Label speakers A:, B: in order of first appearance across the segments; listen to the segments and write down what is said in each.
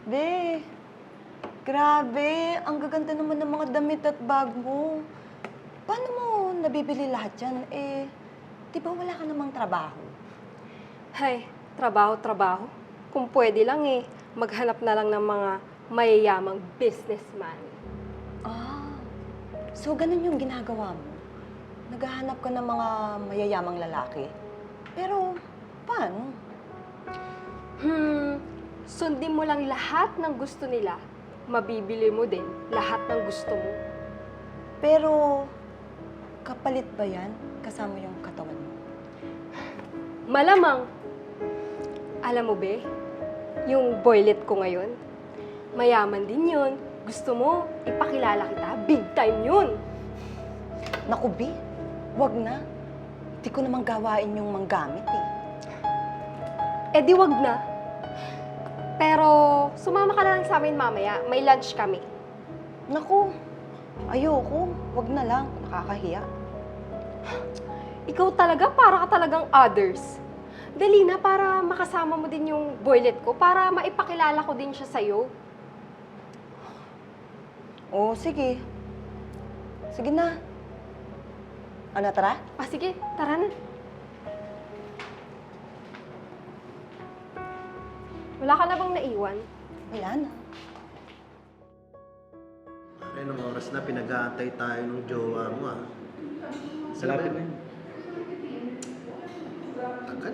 A: Be, grabe. Ang gaganda naman ng mga damit at bag mo. Paano mo nabibili lahat yan? Di ba wala ka namang trabaho?
B: Hay, trabaho. Kung pwede lang maghanap na lang ng mga mayayamang businessman.
A: Ah, so ganun yung ginagawa mo? Naghahanap ka ng mga mayayamang lalaki? Pero, paano?
B: Sundin mo lang lahat ng gusto nila. Mabibili mo din lahat ng gusto mo.
A: Pero, kapalit ba yan kasama yung katawan mo?
B: Malamang. Alam mo ba, yung boylet ko ngayon, mayaman din yun. Gusto mo, ipakilala kita. Big time yun.
A: Naku, Be, wag na. Di ko namang gawain yung manggamit
B: Eh di wag na. Pero sumama ka na lang sa amin mamaya. May lunch kami.
A: Naku, ayoko. Wag na lang. Nakakahiya.
B: Ikaw talaga, para ka talagang others. Dali na para makasama mo din yung boylet ko, para maipakilala ko din siya sa'yo.
A: Oo, sige. Sige na. Ano, tara?
B: Sige, tara na. Wala ka na bang naiwan?
A: Wala na.
C: Anong oras na pinag-aantay tayo ng jowa mo ah?
D: Malapit na yun.
C: Tagal.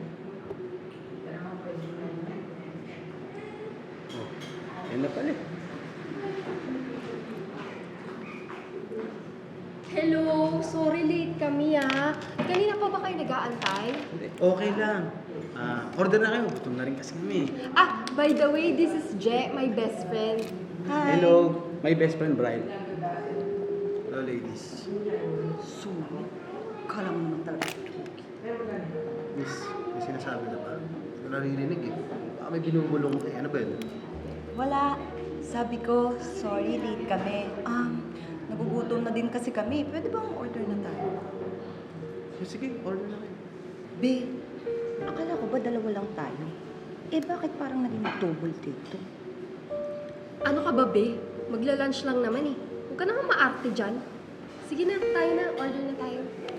D: Oh, yan na pala.
B: Hello, sorry late kami Kanina pa ba kayo nag-aantay?
C: Okay lang. Order na kayo. Gutom na rin kasi kami.
B: By the way, this is Je, my best friend.
A: Hi.
D: Hello, my best friend Brian.
C: Hello ladies.
A: Sulit. Kala mo naman talaga.
C: Miss, may sinasabi na ba? Hindi ko naririnig eh. Baka may binubulong eh. Ano ba yun?
A: Wala. Sabi ko, sorry, late kami. Nagugutom na din kasi kami. Pwede bang order na tayo?
C: Sige, order na kayo.
A: Be, akala ko ba dalawa lang tayo? Bakit parang naging double dito?
B: Ano ka ba, be? Magla-lunch lang naman Huwag ka naman maarte dyan. Sige na, tayo na. Order na tayo.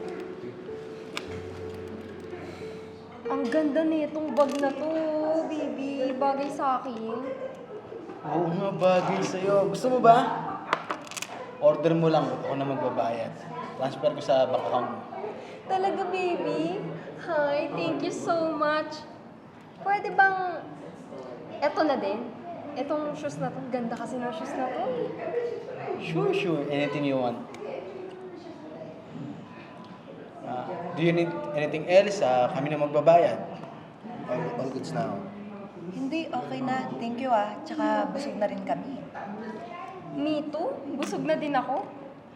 B: Ang ganda nitong bag na to, baby. Bagay sa akin.
D: Oo nga, bagay sa'yo. Gusto mo ba? Order mo lang, ako na magbabayad. Transfer ko sa bank account mo.
B: Talaga, baby? Hi, thank you so much. Pwede bang... Eto na din? Etong shoes na to. Ganda kasi ng shoes na to.
D: Sure. Anything you want. Do you need anything else? Kami na magbabayad.
C: All goods na ako.
A: Hindi, okay na. Thank you Tsaka busog na rin kami.
B: Me too? Busog na din ako.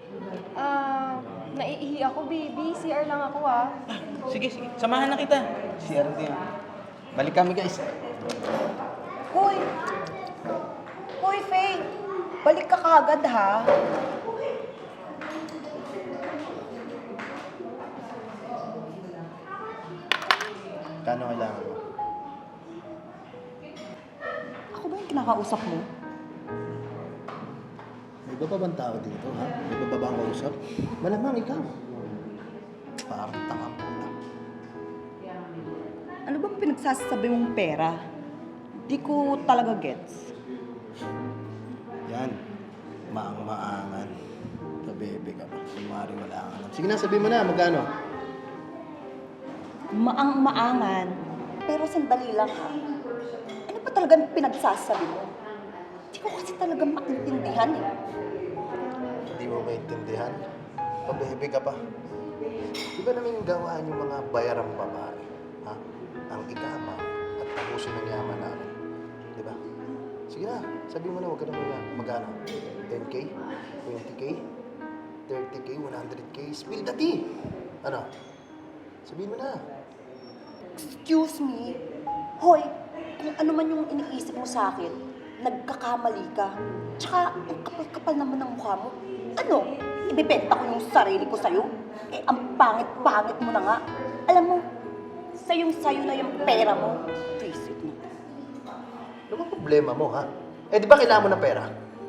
B: Naiihi ako, baby. CR lang ako,
D: Sige. Samahan na kita. CR din. Balik kami, guys.
A: Hoy! Hoy, Faye! Balik ka kagad, ha?
C: Kano kailangan mo?
A: Ako ba yung kinakausap mo?
C: May iba pa bang tao dito, ha? May iba pa bang kausap? Malamang ikaw. Parang tanga po na.
A: Ano bang pinagsasabi mong pera? Di ko talaga gets.
C: Yan. Maang-maangan. Pabebe ka pa. Kumari wala kang alam. Sige na, sabihin mo na. Magkano?
A: Maang-maangan. Pero sandali lang, ha? Ano ba talagang pinagsasabi mo? Di ko kasi talaga maintindihan,
C: Hindi mo maintindihan? Pabebe ka pa. Di ba namin gawaan yung mga bayarang babae? Ha? Ang ikama at tapusin ng yaman namin. Di ba? Sige na, sabihin mo na, huwag ka na muna. Magkano? 10K? 20K? 30K? 100K? Spill the tea! Ano? Sabihin mo na.
A: Excuse me? Hoy, kung ano man yung iniisip mo sa akin, nagkakamali ka. Tsaka, ang kapal-kapal naman ng mukha mo. Ano? Ibibenta ko yung sarili ko sa'yo? Ang pangit-pangit mo na nga. Alam mo, sayong-sayo na yung pera mo. Visit mo.
C: Ano bang problema mo, ha? Eh, di ba kailangan mo ng pera?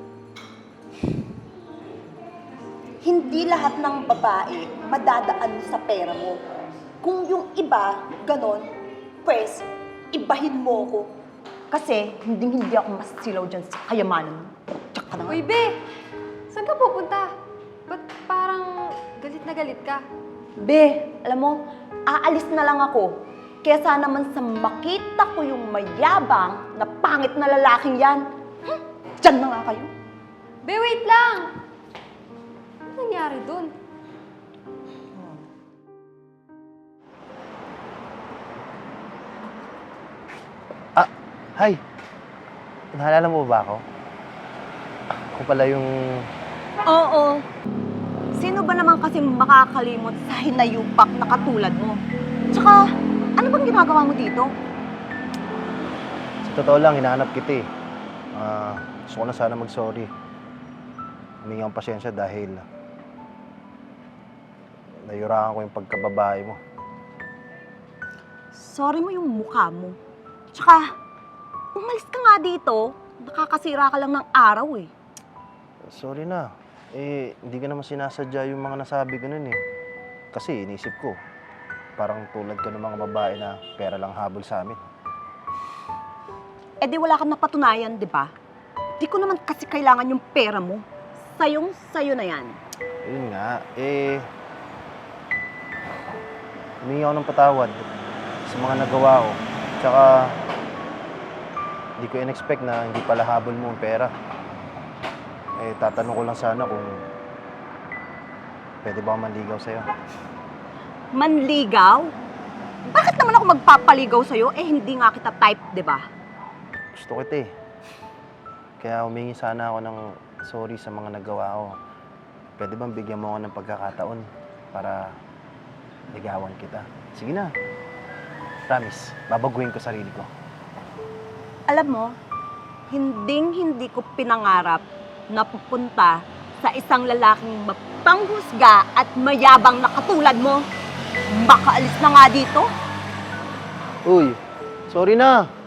A: Hindi lahat ng babae madadaan sa pera mo. Kung yung iba, ganon, pues, ibahin mo ko. Kasi hindi ako mas silaw dyan sa kayamanan mo. Tsaka na nga.
B: Uy, be! Saan ka pupunta? Ba't parang galit na galit ka?
A: Be, alam mo, aalis na lang ako. Kesa naman sa makita ko yung mayabang na pangit na lalaking yan. Diyan na nga kayo.
B: Be, wait lang! Ano nangyari dun?
C: Ah, hi. Naalala mo ba ako? Ako pala yung...
A: Oo. Sino ba naman kasi makakalimot sa hinayupak na katulad mo? Tsaka, ano bang ginagawa mo dito?
C: Sa totoo lang, hinahanap kita eh. Gusto ko na sana mag-sorry. Humingi akong pasensya dahil nayurakan ko yung pagkababae mo.
A: Sorry mo yung mukha mo. Tsaka, umalis ka nga dito. Nakakasira ka lang ng araw eh.
C: Sorry na. Eh, hindi ka naman sinasadya yung mga nasabi ko nun eh. Kasi inisip ko, parang tulad ka ng mga babae na pera lang habol sa amin.
A: Eh di wala kang napatunayan, di ba? Di ko naman kasi kailangan yung pera mo. Sayong-sayo na yan.
C: Yun nga, eh... Humingi ako ng patawad sa mga nagawa ko. Tsaka, hindi ko in-expect na hindi pala habol mo ang pera. Eh, tatanong ko lang sana kung pwede ba ako manligaw sa'yo.
A: Manligaw? Bakit naman ako magpapaligaw sa'yo? Eh hindi nga kita type, di ba?
C: Gusto kita eh. Kaya humingi sana ako ng sorry sa mga nagawa ko. Pwede bang bigyan mo ako ng pagkakataon para ligawan kita? Sige na. Promise, babaguhin ko sarili ko.
A: Alam mo, hindi ko pinangarap na pupunta sa isang lalaking mapanghusga at mayabang na katulad mo. Makaalis na nga dito.
C: Uy, sorry na.